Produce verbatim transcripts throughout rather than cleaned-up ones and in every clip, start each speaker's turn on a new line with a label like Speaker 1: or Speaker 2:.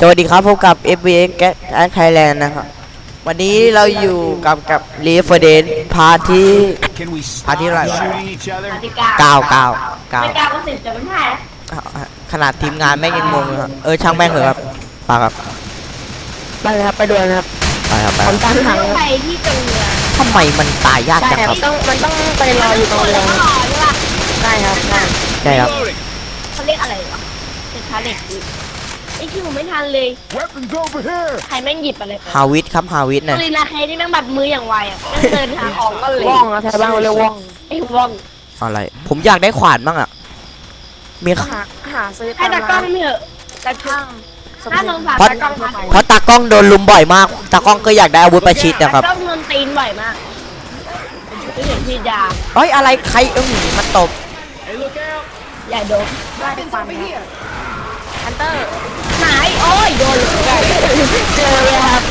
Speaker 1: สวัสดีครับพบกับ เอฟ บี เอ็กซ์ Gas Thailand นะครับวันนี้เราอยู่กับกับ Left โฟร์ Dead พาร์ทที่พาร์ทที่อะไรวะเก้าเก้าเก้า
Speaker 2: ไม่เก้าก็สิบจะไม่ใช่
Speaker 1: ขนาดทีมงานแม่งยังงงเลยครับเออช่างแม่งเถอะครับไปครับ
Speaker 3: ไปเลยครับไปดูนะครับ
Speaker 1: ไปครับไป
Speaker 3: ผมตั้งถัง
Speaker 2: ไปที่ตรงเรือ
Speaker 1: ทำไมมันตายยาก
Speaker 3: ใช่
Speaker 1: จัง
Speaker 3: ค
Speaker 1: ค
Speaker 3: รั
Speaker 1: รั
Speaker 3: บบ ต้องมันต้องไปรออยู่ตรงเรือ
Speaker 2: แล้วก็รอใช่ป่ะ
Speaker 3: ใช่ครับใช่
Speaker 1: ใช่ครับ
Speaker 2: เขาเรียกอะไรวะเป็นคาเล็กไอ้ที่ผมไม่ทันเลยใครแม่งหยิบอะไรไป
Speaker 1: ฮาวิทครับฮาวิทเนี่ย
Speaker 2: ลีนาเคที่แม่งบัดมืออย่างไวอ่ะแม่งเดินหาของก็เลย
Speaker 3: ว่องนะแถวบ้านเราเรียกว่อง
Speaker 2: ไอ้ว่อง
Speaker 1: อะไรผมอยากได้ขวานบ้างอ่ะมี
Speaker 3: หาหาซื้อ
Speaker 2: ให้ตากล้องเถอะตากล้องถ้าสงสาร
Speaker 1: เพราะ
Speaker 2: ตากล้องทั่วไป
Speaker 1: เพราะตากล้องโดนลุมบ่อยมากตากล้องก็อยากได้อาวุธประชิดนะครับ
Speaker 2: ตากล้องโดนตีนบ่อยมากไม่เห็นพี่ยา
Speaker 1: เอ้ยอะไรใครเอ้ยมันตบ
Speaker 2: ใหญ่โดน
Speaker 3: ได้ฟันฮันเตอร์
Speaker 2: ไหนโอ้ยโดนเลย
Speaker 3: เจอเลยครับ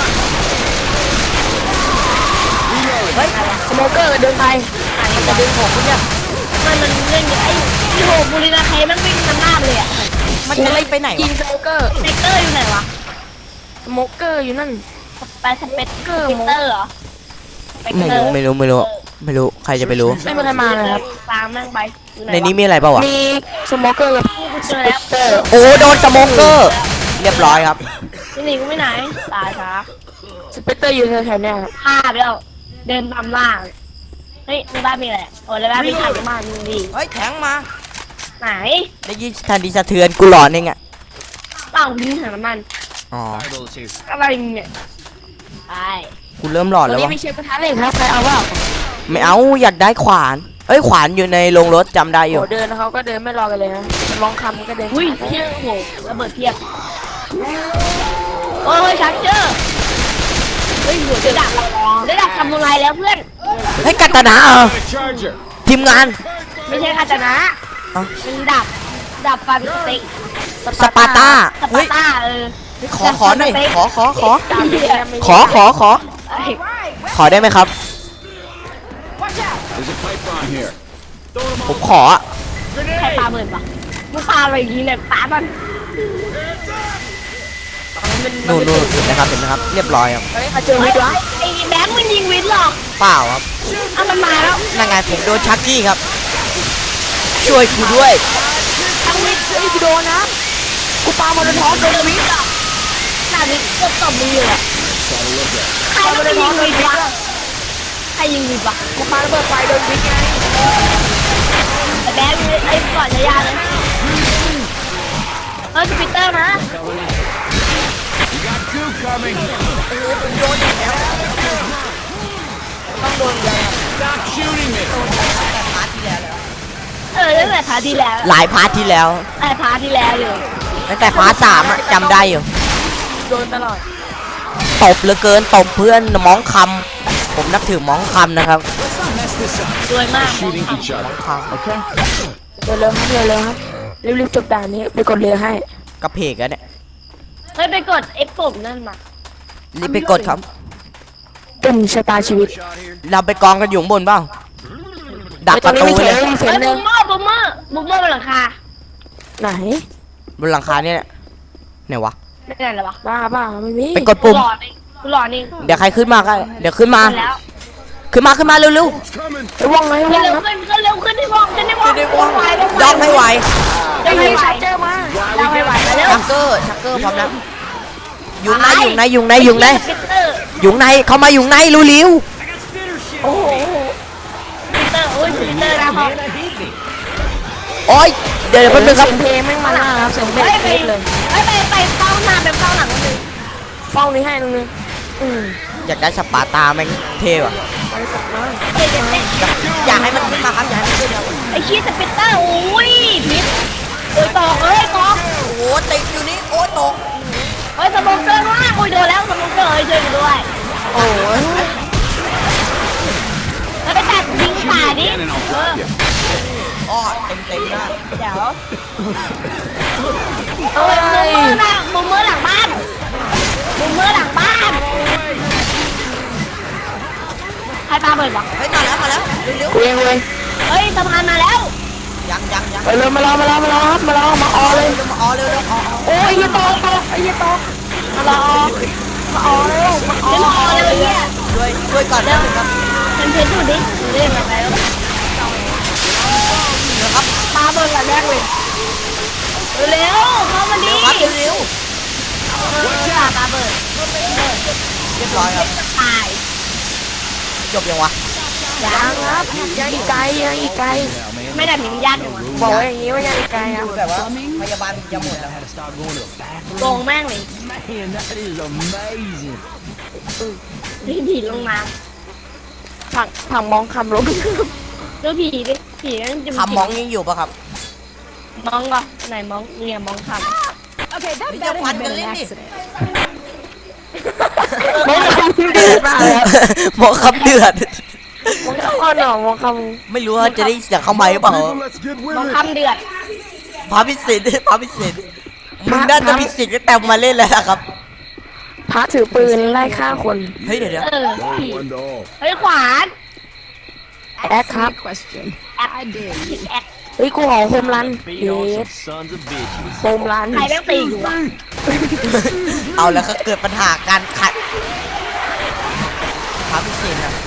Speaker 3: เฮ้ยสโมเกอร์เดินไปมันจะดึงผมเนี่ย
Speaker 2: มันมันเล่นไอ้ที่โหบุรีนาเคแม่งวิ่งนำหน้าเลยอ่ะ
Speaker 1: มันจะไล่ไปไหน
Speaker 3: ยิ
Speaker 1: วะ
Speaker 3: งสโมเกอร์
Speaker 2: สเปกเตอร์อยู่ไหนวะ
Speaker 3: สโมเกอร์อยู่นั่น
Speaker 2: ไปสเปกเกอร์สเปกเตอร์เหรอสเปก
Speaker 1: ไม่
Speaker 2: เตอ
Speaker 1: รู้
Speaker 2: ร์
Speaker 1: ไม่รู้ไม่รู้ไม่รู้ใครจะไปรู้
Speaker 3: ไม่มีใครมาเลยครับ
Speaker 2: ตามแม่งไปอยู่ไห
Speaker 1: ใน
Speaker 2: วะ
Speaker 1: นี้มีอะไรเปล่าวะ
Speaker 3: มีสโมเกอร์กับ
Speaker 2: เจอแล้ว
Speaker 3: เตอร์
Speaker 1: โอ้โดนสโมเกอร์เรียบร้อยครับ
Speaker 2: พี่หนิงไม่ไหนตายช้า
Speaker 3: สเปกเตอร์อยู่แถวๆเนี้ยครับ
Speaker 2: พลาดแล้วเดินตามล่าเฮ้ยในบ้านมีอะไรโอ้ในบ้านมีถังน้ำมันดี
Speaker 1: เฮ้ยแทงมา
Speaker 2: ไหน
Speaker 1: ได้ยินทันทีสะเทือนกูหลอนเองอ่ะ
Speaker 2: เปล่าทิ้งถังน้ำมัน
Speaker 1: อ๋อ
Speaker 2: อะไรเนี่ยไป
Speaker 1: กูเริ่มหลอน
Speaker 3: ตอน
Speaker 1: แล้ว
Speaker 3: นี้
Speaker 1: วะ
Speaker 3: มีเชฟกระทะเหล็กครับใครเอาเปล่า
Speaker 1: ไม่เอาอยากได้ขวานเอ้ยขวานอยู่ในโรงรถจำได้อ
Speaker 3: โห
Speaker 1: ยู่
Speaker 3: เดินเขาก็เดินไม่รอกันเลยนะลองคำก็เดิน
Speaker 2: อุ้ย
Speaker 3: ช้า
Speaker 2: เพี้ยโอ้โหระเบิดเพียบโอ้ยชักเจอร์เฮ้ยหัวจะดับได้ดับทำอะไรแล้วเพื่อน
Speaker 1: เฮ้ยกัตนาเหรอทีมงาน
Speaker 2: ไม่ใช่คาตานะ
Speaker 1: เอ้า
Speaker 2: เป็นดับดับฟันสเต็ก
Speaker 1: สปาร์ตา
Speaker 2: ส
Speaker 1: เฮ้
Speaker 2: ปาย ร์ต้าเออ
Speaker 1: ขอขอหน่อยขอขอขอ
Speaker 3: ตามไปเลยนะไม่
Speaker 1: ขอขอขอ
Speaker 2: เอ้ย
Speaker 1: ขอได้ไหมครับ ผมขออะ
Speaker 2: ใครปาเบิร์นปะมึงปาอะไรอย่างนี้เลยปามัน
Speaker 1: นู่นนู่นเห็นนะครับเห็นนะครับ เรียบร้อยครับ
Speaker 3: เฮ้ยมาเจอวิทย์วะ
Speaker 2: ไอ้แบงค์มันยิงวินหรอก
Speaker 1: เปล่าครับ
Speaker 2: เอามันมาแล้ว
Speaker 1: นั่นไงผมโดนชักกี้ครับ ช่วยกูด้วย
Speaker 2: ทั้งวิน
Speaker 3: เฮ้ยกูโดนนะกูปาโมโนทอสโดนวิทย์อะ
Speaker 2: หน้าวินเกือบตบมือเลยอะใครมันไปยิงวินวะใครยิงวินวะ
Speaker 3: กูปาระเบิดไฟโดนวิทย์ไง
Speaker 2: ไอ้แบงค์ไอ้ก่อนจะยาเลยเออสปิเตอร์นะ
Speaker 3: ต้องโดนเลย
Speaker 2: เออตั้งแต่พาร์ทที่แล้ว
Speaker 1: หลายพาร์ทที่แล้ว
Speaker 2: ไอ้พาร์ทที่แล้วอยู่
Speaker 1: ตั้งแต่พาร์ทสามอะจำได้อยู่
Speaker 3: โดนตลอด
Speaker 1: ตบเหลือเกินตบเพื่อนม้องคำผมนับถือม้องคำนะครับ
Speaker 2: รวยมาก
Speaker 1: ม้องคำ
Speaker 3: เร็วเร็วครับเร็วเร็วครับรีบๆจบด่านนี้ไปกดเรือให้
Speaker 1: กระเพกอะเนี่ย
Speaker 2: เฮ้ยไปกดเอฟปุ่มนั่นมา
Speaker 1: รีบไปกดครับ
Speaker 3: เป็นชะตาชีวิต
Speaker 1: เราไปกองกันอยู่ข้างบนเปล่าดักประตู
Speaker 3: เฮ้
Speaker 1: เลย ย
Speaker 3: ตรงนี้มีเสียง
Speaker 2: เฮ้ย
Speaker 3: หนึ่
Speaker 2: บุ
Speaker 3: ง
Speaker 2: มเมอร์บุมเมอร์บุมเมอร์บนหลังคา
Speaker 3: ไหน
Speaker 1: บนหลังคาเนี่ยไหนวะ
Speaker 2: ไม่ได้หรอวะ
Speaker 3: บ้าบ้าไม่มี
Speaker 1: ไปกดปุ่ม
Speaker 2: หลอดเองกูหลอดเอง
Speaker 1: เดี๋ยวใครขึ้นมาก็เดี๋ยวขึ้นมา
Speaker 2: แล้ว
Speaker 1: ขึ้นมาขึ้นมาเร็ว
Speaker 3: ไอ้ว่องไงว่อง
Speaker 2: เร็ว
Speaker 3: ครับ
Speaker 2: ขึ้นขึ้นเร็วขึ้นที่วองขึ้นที่วอง
Speaker 1: ๆขึ้นได้ว่อง
Speaker 2: ไหว
Speaker 1: ย่องให้ไหว
Speaker 2: ยังไม่
Speaker 3: ไอ้
Speaker 2: ไหว
Speaker 3: ชาร์เจอร์มา
Speaker 2: ยังไม่ไหวมาเร็ว
Speaker 1: ชักเกอร์ชักเกอร์พร้อมแล้วยุงในยุงในยุงในยุงใน
Speaker 2: ปิเตอร์
Speaker 1: ยุงในเข้ามายุงในรู้ลิ้ว
Speaker 3: โอ้โห
Speaker 2: ปิเตอร์โอ้ยปิเตอร์นะครับ
Speaker 1: โอ้ยเดี๋ยวเดี๋ยวแป๊บนึงครับ
Speaker 3: เสียงเพลงแม่งมาหน้าครับเสียงเพล
Speaker 2: เฮ้
Speaker 3: ง
Speaker 2: ยไป
Speaker 3: เพลงเลย
Speaker 2: เฮ้ยไปไปเฝ้าหน้าไปเฝ้าหลังคนนึง
Speaker 3: ฟ้องนี้ให้นึงนึงอืม
Speaker 1: อยากได้สปาร์ตาแม่งเท่ว่ะ
Speaker 3: ไปกลับมา
Speaker 2: เฮ้ยเด็กเด็ก
Speaker 1: อยากให้มันขึ้นมาครับอยากให้มันขึ้นครับ
Speaker 2: ไอ้ชี้สปิเตอร์โอ้ยพิษโอ้ยตอกเอ้ยตอก
Speaker 1: โอ้โหติดอยู่นี่โอ้ยตก
Speaker 2: เฮ้ยสมองเกอร์มากโอ้ยโดนแล้วสมองเกอร์เฮ้ยช่วยกันด้วย
Speaker 1: โอ้ย
Speaker 2: แล้วไปตัดยิงป่าดิเออ
Speaker 1: อ้อเต็มเต็มหน้า
Speaker 2: เดี๋ยวเอ้ยมุมมือหลังมุมมือหลังบ้านมุมมือหลังบ้านใครปาเบิร์ดวะ
Speaker 1: เฮ้ยมาแล้วมาแล้วเร็ว
Speaker 3: กูเองเว้ย
Speaker 2: เฮ้ยสะพานมาแล้ว
Speaker 1: ๆยังยังยัง
Speaker 3: ไปเลยมาลองมาลองมาลองครับมาลองมาออเลย
Speaker 1: เร็วมาอ๋อเร็วเร็วอ๋อ
Speaker 3: โอ้ยยี่ตกตกไอ้ยี่ตกมาลองมาออเร็วมาออ
Speaker 2: เดี๋ยวรอเลยเนี่ย
Speaker 1: ช่วยช่วยก่อนนะครับ
Speaker 2: ฉันเพชรดูดิดูดิมาแล้ว
Speaker 1: นะครับ
Speaker 3: มาเบิ่งกันแรกเลย
Speaker 2: เร็วเข้ามาดิ
Speaker 1: ครับเร็ว
Speaker 2: ตาตาเบิด
Speaker 1: ๆเรียบร้อยครับ
Speaker 2: ตาย
Speaker 1: จบยังวะ
Speaker 3: ยังครับยังอีกไกลยังอีกไกล
Speaker 2: ไม่ได้มียากอยู่
Speaker 3: บอกว่าอย่างนี้ว่ายังอีกไกลครับ
Speaker 1: แบบว่าพยาบาลจะหมดแล้ว
Speaker 2: โกงแม่งเลย
Speaker 4: Man, that is amazing.
Speaker 2: ผีผีลงน้
Speaker 3: ผังผังมองคำลบ
Speaker 2: ำดูผีดิผีนั่นจะ
Speaker 1: คำมองยังอยู่ปะครับ
Speaker 2: มองก็ไหนมองเนี่ยมองค
Speaker 1: นี่จะฟันกันเล่นดิ
Speaker 3: มองคำเดือดมากเลย
Speaker 1: มองคำเดือด
Speaker 3: มองคำอ่อนหนอมองค
Speaker 1: ไม่รู้ว่าจะได้เสียงเข้าไหมหรือเปล่า
Speaker 4: Let's get
Speaker 2: ำ
Speaker 4: with
Speaker 2: มอง
Speaker 4: it.
Speaker 2: คำเดือด
Speaker 1: พาพิเศษพาพิเศษมึงน่าจะมีสิทธิ์ก็แต่มาเล่นแล้วนะครับ
Speaker 3: ำพระถือปืนไล่ฆ่าคน
Speaker 1: เฮ้ยเดี๋ยวเดี๋ยว
Speaker 2: เออผี
Speaker 4: One to all.
Speaker 2: เฮ้ยขวาน
Speaker 3: แอคครับ
Speaker 2: แอคผิดแอค
Speaker 3: เฮ้ยกูขอโฮมรัน
Speaker 4: Beat
Speaker 3: เย
Speaker 4: on
Speaker 3: ส
Speaker 4: some sons of bitches.
Speaker 3: โฮมรัน
Speaker 2: ใครแม่งตีอยู่วะ
Speaker 1: เอาแล้วก็เกิดปัญหาการขัดพาพิเศษครับ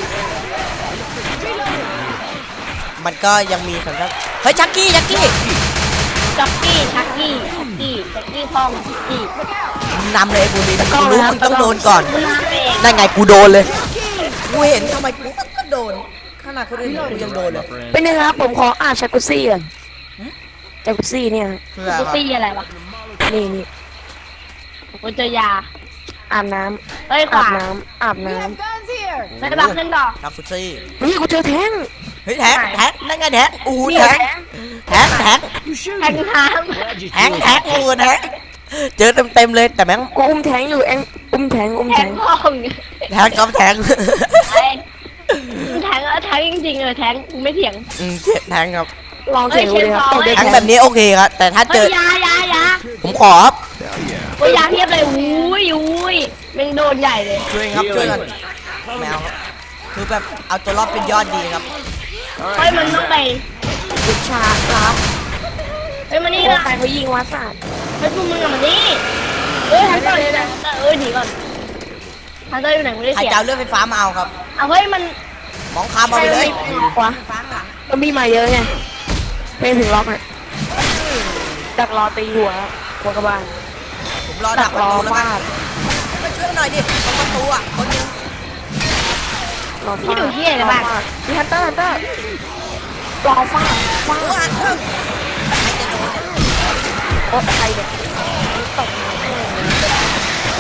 Speaker 1: มันก็ยังมีสัญชาติเฮ้ยชักกี้ชักกี้
Speaker 2: จ็อกกี้ชักกี้ชักกี้ชักกี้พองชักกี้
Speaker 1: นำเลยไอ้บูลินกูรู้มึงต้องโดนก่อน
Speaker 2: มึงมาเอง
Speaker 1: นั่นไงกูโดนเลยกูเห็นทำไมกูก็โดนขนาดคนอื่นกูยังโดนเลย
Speaker 3: เป็นไงครับผมขออ่านจากุซี่ก่อนจากุซี่เนี่ย
Speaker 1: เพื่อ
Speaker 2: กู
Speaker 1: ครับ
Speaker 2: ตีอะไรวะ
Speaker 3: นี่นี่
Speaker 2: กูเจอยา
Speaker 3: อาบน้
Speaker 2: เฮ้ย
Speaker 3: ำ
Speaker 2: ข
Speaker 3: อาบ
Speaker 2: วาน
Speaker 3: น้ำอาบน้
Speaker 2: ไม่บักขึ้นต่อ
Speaker 1: ทักฟุซี่
Speaker 3: ำนี่กูเจอแท้ง
Speaker 1: เฮ้ยแท็กแท็กนั่นไงแท็กอู้
Speaker 3: นี่
Speaker 1: แท็ก
Speaker 3: แท้ง
Speaker 1: แท็กแท็ก
Speaker 4: You shoot.
Speaker 2: แทงน้
Speaker 1: แท็กแท็กอู้แท็กเจอเต็มเต็มๆเลยแต่แม่ง
Speaker 3: กูอุ้มแท้งอยู่เองอุ้มแท้งอุ้ม
Speaker 2: ำแท
Speaker 3: แท้
Speaker 2: ง
Speaker 3: ง
Speaker 2: พอง
Speaker 1: แท็กกับแท็ก
Speaker 2: ไอ้แทงแล้วแทงจริงๆเออแทงกูไม่เถียง
Speaker 1: อืมเจ็บแท็กครับ
Speaker 3: ลองเสียงดูเลยครับตกได้
Speaker 1: แท็ก
Speaker 3: แท้ง
Speaker 1: แบบนี้โอเคครับแต่ถ้าเจ
Speaker 2: เฮ้ย
Speaker 1: อย
Speaker 2: ายายา
Speaker 1: ผมขอครับ
Speaker 2: โอ้ยยาเทียบเลยอุ้ยอุ้ยแม่งโดนใหญ่เลย
Speaker 1: ช่วยครับช่วยกันแมวครับคือแบบเอาตัวรอดเป็นยอดดีครับ
Speaker 2: เฮ้ยมันต้องไป
Speaker 3: วิชาครับ
Speaker 2: เฮ้ยมานี่
Speaker 3: นี่
Speaker 2: ละ
Speaker 3: ใครเขายิงวัดศาสตร์
Speaker 2: เฮ้ยพวกมึงอะมานี่เฮ้ยฮันเตอร์อยู่ไหนฮันเตอร์เอ้ยหนีก่อนฮันเตอร์อยู่ไหนไม่ได้
Speaker 1: ใคร
Speaker 2: เสีย
Speaker 1: จะเอาเรื่องไฟฟ้ามาเอาครับ
Speaker 2: เอาเฮ้ยมัน
Speaker 1: มองคามเอาไปเลย
Speaker 3: วะก็มีมาเยอะไงเพลงถึงล็อกอ่ะดักรอตีหัวหัวกระบาล
Speaker 1: ผมรอ
Speaker 3: ดั
Speaker 1: ดั
Speaker 3: ก
Speaker 1: กประ
Speaker 3: รอ
Speaker 1: ตูแล้วกั
Speaker 3: ฟาน ด
Speaker 1: มาช่วยหน่อยดิตรงประตูอ่ะคนนึง
Speaker 3: รอฟาด
Speaker 2: ที่ดูที่ไหนนะบ้าง
Speaker 3: มีฮันเตอร์ฮันเตอร์รอฟาดฟา
Speaker 1: โอ้
Speaker 3: ด
Speaker 1: ยใครจะโดนเนี่ย
Speaker 3: โอ๊ยใครเนี่ยตกมาแม่ง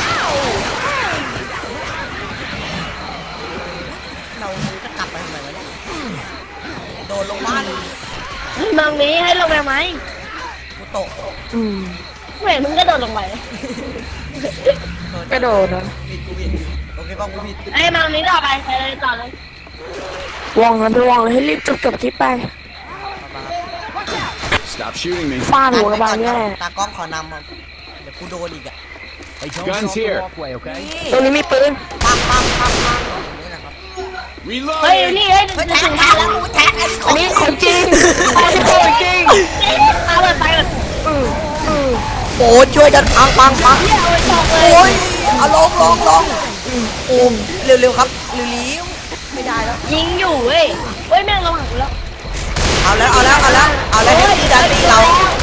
Speaker 1: เราจะกลับไปทำไมวะเนี่ยโดนลงบ้าน
Speaker 2: เฮ้ยมังนี้ให้ลงไปไหม
Speaker 1: กูตก
Speaker 3: อืม
Speaker 2: ไม่เห็นมึงก็โดดลงไป
Speaker 3: กระโดดนะ
Speaker 1: ผิดกูผิดโอเคป่ะกูผิด
Speaker 2: ไอ้ยมังนี้ต่อไปไปเลยต่อเลย
Speaker 3: ว่องกันไปว่องเลยให้รีบจบจบคลิปไป
Speaker 4: Stop shooting me.
Speaker 3: ฟาดหัวกระบาลเนี่ยแหละ
Speaker 1: ตากล้องขอนำครับเดี๋ยวกูโดนอีกอ่ะ
Speaker 4: Hey, guns here.
Speaker 3: ตรงนี้มีปืน
Speaker 1: ปังปังปังปังนี่แหละครับ
Speaker 2: เฮ้ย
Speaker 4: Reload.
Speaker 2: นี่เฮ้ย
Speaker 1: เฮ้ย
Speaker 2: ถึ
Speaker 1: แท็ก
Speaker 2: ง
Speaker 1: แท็
Speaker 2: บ้าก น
Speaker 1: แล้ว
Speaker 2: แล้ว
Speaker 1: กูแท็กอันนี้ข
Speaker 3: อั
Speaker 1: อน ง
Speaker 3: นี้ของจริงอันนี้ของจริง
Speaker 2: เอาเลยไปเลย
Speaker 3: อืออือ
Speaker 1: โอ้ช่วยกันปังปังปัง
Speaker 2: เฮียเอาไปชกเลย
Speaker 1: โอ้ยเอาลงลงลงโอ้เร็วๆครับเร็วๆไม่ได้แล้ว
Speaker 2: ยิงอยู่เว้ยเฮ้ยแม่งระวังกูแล้ว
Speaker 1: เอาแล้วเอาแล้วเอาแล้วเอาแล้วเฮฟวี่ดันตีเรา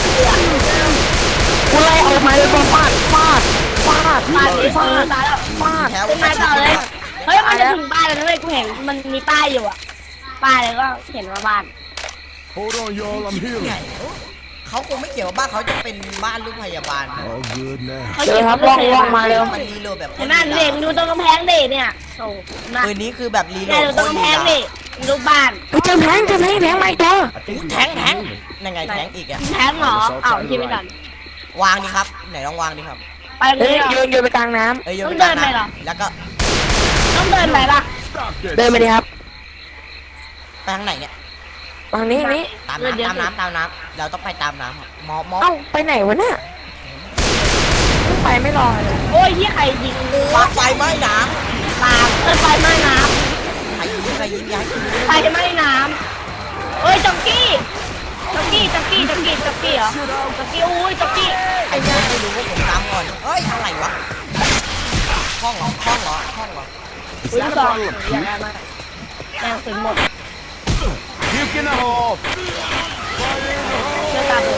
Speaker 3: กูไล่ออกมาเลยฟาดฟาดฟาด
Speaker 2: ตายเลยตายแล้วตายแล้ว
Speaker 3: ฟาด
Speaker 1: แถว
Speaker 2: เป็นไงต่อเลย เฮ้ยมันจะถึงบ้านแล้วนะเว้ยกูเห็นมันมีป้ายอยู่อะป้ายแล้วก็เห็นว่าบ้าน
Speaker 4: Hold on, y'all. I'm
Speaker 1: ใหญ่
Speaker 4: healing.
Speaker 1: เขาคงไม่เกี่ยวว่าบ้านเขาจะเป็นบ้านลูกพยาบาล
Speaker 4: All good now.
Speaker 2: เขา
Speaker 3: เดี๋ยว
Speaker 2: เขียน
Speaker 3: ครับ
Speaker 2: ว่า
Speaker 3: ว่องว่องมาเร็ว
Speaker 1: มันรีโหลดแบบ
Speaker 2: เห็นหน้าเด็กดูตรงกำแพงเด็กเนี่ยโอ้มา
Speaker 1: ปืนนี้คือแบบรีโหล
Speaker 2: เนี่ย
Speaker 1: ด
Speaker 2: ดูตรงกำแพงเด็กดูบ้าน
Speaker 3: เฮ้ยเจอแทงเจอแทงแทงมาอีกตัว
Speaker 1: แทงแทงนั่นไงแทงอีกอ่ะ
Speaker 2: แทงเหรออ้าวคิดไม่ทัน
Speaker 1: วางดิครับไหนลองวางดิครับ
Speaker 2: ไปเล
Speaker 3: เฮ้ย
Speaker 2: ยเหรอ
Speaker 3: โยนโยนไปกลางน้
Speaker 1: เอ้ยโยน
Speaker 2: ต้อง
Speaker 1: ไปกลาง
Speaker 2: เดินไปเหรอ
Speaker 1: น้ำแล้วก็
Speaker 2: ต้องเดินไปปะ
Speaker 4: Stop
Speaker 3: ำ
Speaker 4: that.
Speaker 3: เดินไปดิครับ
Speaker 1: ไปทางไหนเนี่ย
Speaker 3: ทางนี้นี้
Speaker 1: ตามน้ำตามน้ำตามน้ำเราต้องไปตามน้ำครับมอมอ
Speaker 3: เอ้าไปไหนวะเนี่ยไปไม่รอเลย
Speaker 2: โอ้ยที่ใครยิง
Speaker 1: วางไฟไหม้น้
Speaker 2: ตามเออไฟไหม้น้
Speaker 1: ำใครยิงใครยิงย้าย
Speaker 2: ำไฟไหม้น้ำเฮ้ยจ็อกกี้
Speaker 1: โ
Speaker 2: จ็อกกี้จ็อกกี้จ็อกกี้จ็อกกี้เหรอจ็อกกี้อุ้ยจ็อกกี้
Speaker 1: ไอ้เนี่ยไม่รู้ว่าผมตามก่อนเฮ้ยอะไรวะห้องเหรอห้องเหรอห้องเหรอ
Speaker 2: อุ้ยลูกซองอยากได้มากแรงสุดหมด
Speaker 4: Puke in the hole.
Speaker 2: เชื่อตามเลย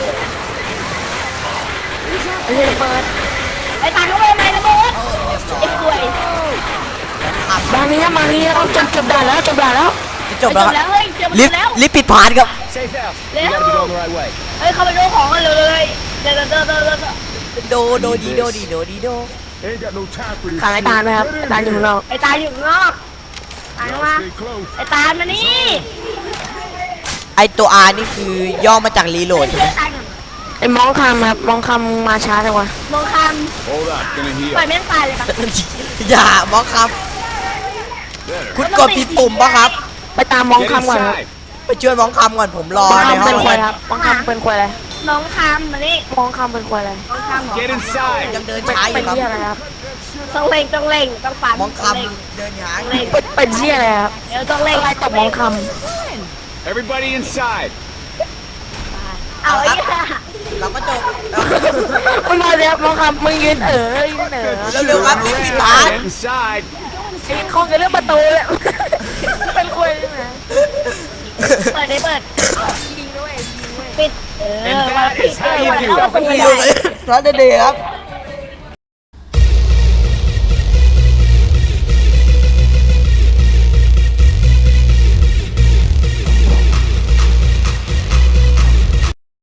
Speaker 3: ไอ้เหี้ยเปิด
Speaker 2: ไอ้ตาเขาไปทำไมนะโบ๊ท
Speaker 1: เออเรียบร้อ
Speaker 2: ไอ้
Speaker 1: ย
Speaker 2: กล้วย
Speaker 3: บางนี้มานี้เราจบจบด่านแล้วจบด่านแล้ว
Speaker 1: จะจบแล้วครับ
Speaker 2: แล้วเฮ้ยเจอมัน
Speaker 1: ลิฟต์
Speaker 2: แล้ว
Speaker 1: ลิฟต์ปิดพาร์ทครับ
Speaker 4: Safe house.
Speaker 2: Yeah.
Speaker 4: You gotta be going the right way.
Speaker 2: เฮ้ยเข้าไปดูของกันเลยเดี๋ยวเดี๋ยวเดี๋ยวเดี๋ยวเดี๋ยว
Speaker 1: โดโดดีโดดีโดดีโด
Speaker 4: Ain't got no time for this.
Speaker 3: ขาดไอ้ตาลไหมครับไอ้ตาลอยู่ข้างนอก
Speaker 2: ไอ้ตาอยู่ข้างนอกตาลมา
Speaker 4: Stay close.
Speaker 2: ไอ้ตาลมานี่
Speaker 1: ไอตัว R นี่คือย่อมาจากรีโหลดใช่ไหม
Speaker 2: ตาลก่อน
Speaker 3: ไอ้มองคำครับมองคำมาช้าจังวะ
Speaker 2: มองค
Speaker 4: Hold up. Gonna
Speaker 2: ำปล่อย
Speaker 4: heal.
Speaker 2: แม่งตายเลยปะ
Speaker 1: อย่าบล็อกครับ
Speaker 4: Better.
Speaker 1: คุณกดผิดปุ่มปะครับ
Speaker 3: ไปตามมอง
Speaker 4: Get
Speaker 3: คำก่อนครับ
Speaker 4: inside.
Speaker 1: ไปช่วยมองคำก่อนผมรอ
Speaker 3: มอง
Speaker 1: ใน
Speaker 3: คำ
Speaker 1: ห้
Speaker 3: เป็
Speaker 1: อน ง
Speaker 3: ควาย
Speaker 1: เลย
Speaker 3: ครับมองคำเป็นควายอะไร
Speaker 2: น้องคำมานี่
Speaker 3: มองคำเป็นควายอะไร
Speaker 2: น้องคำเหรอ
Speaker 4: Get inside.
Speaker 1: ยังเดิน
Speaker 3: เป็น
Speaker 1: ช้าอ
Speaker 3: เป็น
Speaker 1: ยู่ครับ
Speaker 3: เหี้ยอะไรครับ
Speaker 2: ต้องเล่งต้องเล่งต้องปั่น
Speaker 1: มองค
Speaker 2: ต้เล่ง
Speaker 1: ำเดินช้า
Speaker 2: ต้องเล่ง
Speaker 3: เป็นเป็นเหี้ยอะไรครับ
Speaker 2: เดี๋ยวต้องเล่ง
Speaker 3: อะไรตบมองค
Speaker 4: Everybody inside.
Speaker 2: เอาไอ้เหี้ย
Speaker 1: เราก็จบ
Speaker 3: ำมันมาแล้วมองคำมึงยืนเออยืนเออ
Speaker 1: เร็วๆครับลิฟต์ปิดพาร์ท
Speaker 4: Get inside.
Speaker 3: ไอ้คงจะเรื่องประตูเลยเป็นควายใช่ไหม
Speaker 2: เปิดได้เปิด
Speaker 3: ยิงด้วยยิงด้วย
Speaker 2: ปิดเออ
Speaker 4: And
Speaker 2: วัน
Speaker 4: that
Speaker 2: ปิด
Speaker 4: is
Speaker 2: เอ
Speaker 4: how
Speaker 2: อ
Speaker 4: you
Speaker 2: วัน
Speaker 4: do
Speaker 2: แล้ว
Speaker 4: it.
Speaker 2: วันปิด
Speaker 1: ไม่
Speaker 2: ไม่
Speaker 1: รู้
Speaker 2: ได้
Speaker 1: เลยร้านเดย์ครับ